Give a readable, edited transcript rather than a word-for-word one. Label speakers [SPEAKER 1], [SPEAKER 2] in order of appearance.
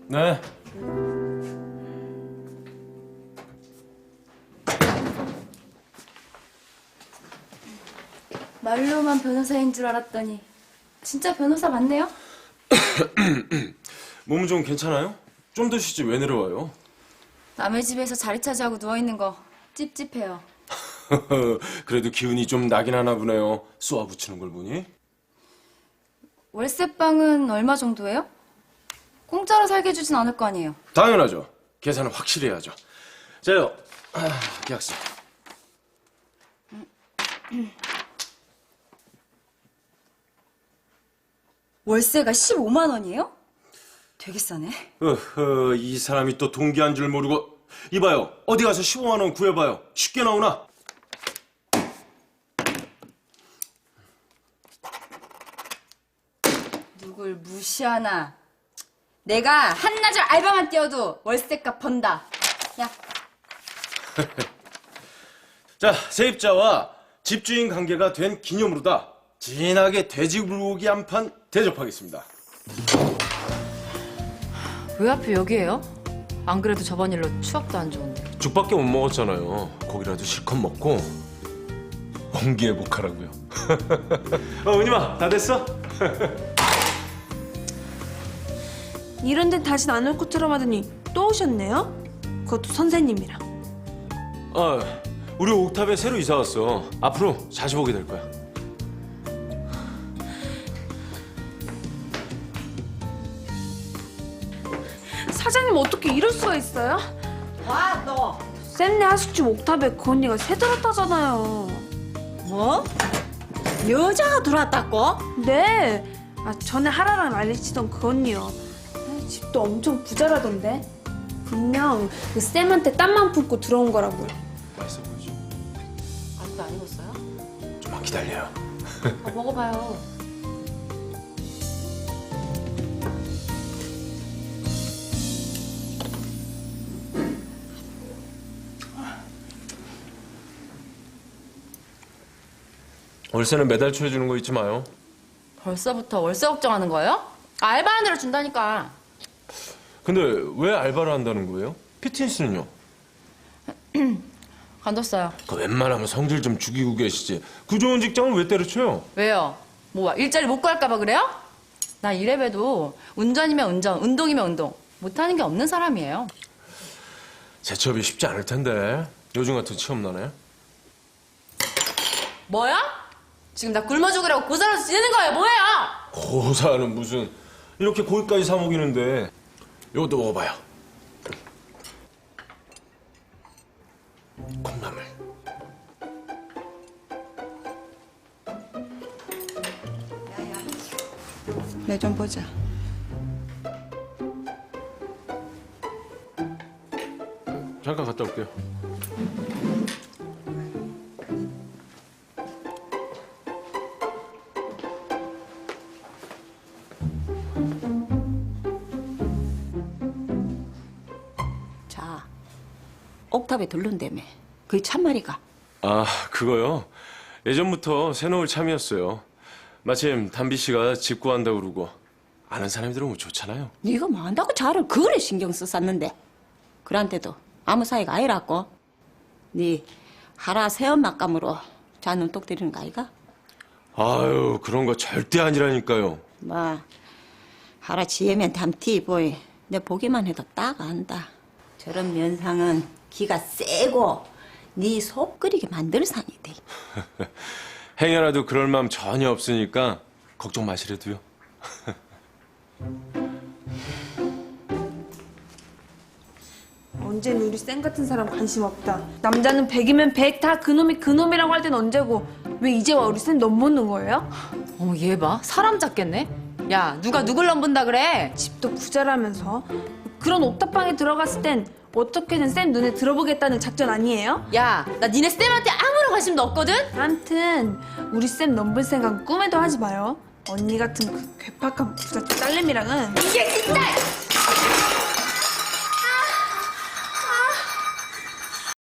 [SPEAKER 1] 네.
[SPEAKER 2] 말로만 변호사인 줄 알았더니 진짜 변호사 맞네요?
[SPEAKER 1] 몸은 좀 괜찮아요? 좀 더 쉬지 왜 내려와요?
[SPEAKER 2] 남의 집에서 자리 차지하고 누워있는 거 찝찝해요.
[SPEAKER 1] 그래도 기운이 좀 나긴 하나 보네요. 쏘아붙이는 걸 보니.
[SPEAKER 2] 월세방은 얼마 정도예요? 공짜로 살게 해주진 않을 거 아니에요.
[SPEAKER 1] 당연하죠. 계산은 확실히 해야죠. 자요, 계약서.
[SPEAKER 2] 월세가 15만 원이에요? 되게 싸네.
[SPEAKER 1] 이 사람이 또 동기한 줄 모르고. 이봐요, 어디 가서 15만 원 구해봐요. 쉽게 나오나?
[SPEAKER 2] 누굴 무시하나. 내가 한나절 알바만 뛰어도 월세값 번다. 야,
[SPEAKER 1] 자, 세입자와 집주인 관계가 된 기념으로다. 진하게 돼지불고기 한 판 대접하겠습니다.
[SPEAKER 3] 왜 하필 여기에요? 안 그래도 저번 일로 추억도 안 좋은데.
[SPEAKER 1] 죽밖에 못 먹었잖아요. 고기라도 실컷 먹고 원기회복하라고요. 은희마, 다 됐어?
[SPEAKER 4] 이런 데는 다신 안 올 것처럼 하더니 또 오셨네요? 그것도 선생님이랑.
[SPEAKER 1] 우리 옥탑에 새로 이사 왔어. 앞으로 자주 보게 될 거야.
[SPEAKER 4] 사장님 어떻게 이럴 수가 있어요?
[SPEAKER 5] 와, 너.
[SPEAKER 4] 쌤네 하숙집 옥탑에 그 언니가 새 들었다잖아요.
[SPEAKER 5] 뭐? 여자가 들어왔다고?
[SPEAKER 4] 네. 전에 하라랑 난리치던 그 언니요. 집도 엄청 부자라던데. 분명 그 쌤한테 땀만 품고 들어온 거라고요.
[SPEAKER 1] 맛있어 보이죠?
[SPEAKER 3] 아직도 안 익었어요?
[SPEAKER 1] 좀만 기다려요.
[SPEAKER 3] 먹어봐요.
[SPEAKER 1] 월세는 매달 초에 주는 거 잊지 마요.
[SPEAKER 3] 벌써부터 월세 걱정하는 거예요? 알바하는 대로 준다니까.
[SPEAKER 1] 근데 왜 알바를 한다는 거예요? 피트니스는요?
[SPEAKER 3] 관뒀어요.
[SPEAKER 1] 그 웬만하면 성질 좀 죽이고 계시지. 그 좋은 직장을 왜 때려쳐요?
[SPEAKER 3] 왜요? 뭐 일자리 못 구할까 봐 그래요? 나 이래봬도 운전이면 운전, 운동이면 운동. 못하는 게 없는 사람이에요.
[SPEAKER 1] 재취업이 쉽지 않을 텐데. 요즘 같은 취업난에.
[SPEAKER 3] 뭐야? 지금 나 굶어 죽으라고 고사라서 지내는 거예요? 뭐예요?
[SPEAKER 1] 고사는 무슨. 이렇게 고기까지 사 먹이는데. 이것도 먹어봐요. 콩나물.
[SPEAKER 5] 내 좀 보자.
[SPEAKER 1] 잠깐 갔다 올게요.
[SPEAKER 5] 자, 옥탑에 들른다며. 그게 참말이가.
[SPEAKER 1] 그거요? 예전부터 새놓을 참이었어요. 마침 담비 씨가 집 구한다고 그러고 아는 사람이 들어오면 좋잖아요.
[SPEAKER 5] 네가 뭐 한다고 자를 그래 신경 썼었는데. 그런데도 아무 사이가 아니라고. 네 하라 새엄막감으로 자 눈독 들이는 거 아이가?
[SPEAKER 1] 아유, 그런 거 절대 아니라니까요.
[SPEAKER 5] 뭐 하라 지혜면 담티 보이. 내 보기만 해도 딱 안다. 저런 면상은 기가 세고 네 속 끓이게 만들 상이대.
[SPEAKER 1] 행여라도 그럴 마음 전혀 없으니까 걱정 마시래도요.
[SPEAKER 4] 언제는 우리 쌤 같은 사람 관심 없다. 남자는 100이면 100 다 그놈이 그놈이라고 할 땐 언제고 왜 이제 와 우리 쌤 넘보는 거예요?
[SPEAKER 3] 어머 얘 봐. 사람 잡겠네. 야 누가 누굴 넘본다 그래?
[SPEAKER 4] 집도 부자라면서 그런 옥탑방에 들어갔을 땐 어떻게든 쌤 눈에 들어보겠다는 작전 아니에요?
[SPEAKER 3] 야 나 니네 쌤한테 아무런 관심도 없거든?
[SPEAKER 4] 암튼 우리 쌤 넘볼 생각 꿈에도 하지 마요. 언니 같은 그 괴팍한 부잣집 딸내미랑은
[SPEAKER 3] 이게 진짜!